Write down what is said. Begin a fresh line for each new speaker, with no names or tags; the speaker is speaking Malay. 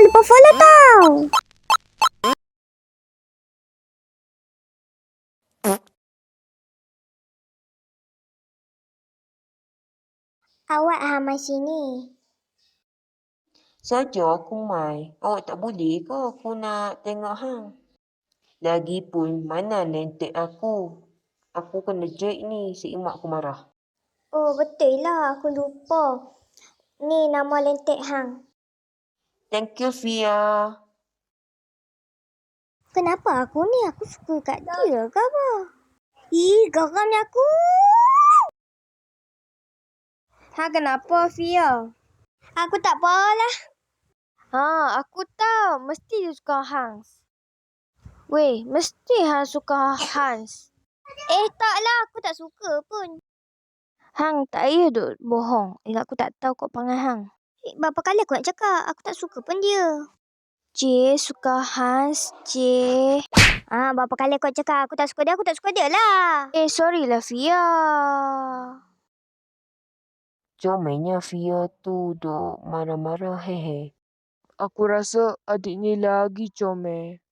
Jangan lupa follow tau. Awak Hamai sini.
Saja aku mai. Awak tak boleh ke aku nak tengok hang? Lagipun mana lentek aku? Aku kena jahit ni, si emak aku marah.
Oh, betul lah. Aku lupa. Ni nama lentek hang.
Thank you, Fia.
Kenapa aku ni? Aku suka kat dia ke apa? Ih, geramnya aku.
Kenapa, Fia?
Aku tak apalah.
Aku tahu. Mesti dia suka Hans. Weh, mesti Hans suka Hans.
Taklah. Aku tak suka pun.
Hang tak payah duk bohong. Ingat aku tak tahu kau panggil Hang.
Berapa kali aku nak cakap? Aku tak suka pun dia.
J suka Hans. J.
Berapa kali aku nak cakap? Aku tak suka dia. Aku tak suka dia lah.
Sorry lah, Fia.
Comelnya Fia tu duk marah-marah, hehe.
Aku rasa adik ni lagi comel.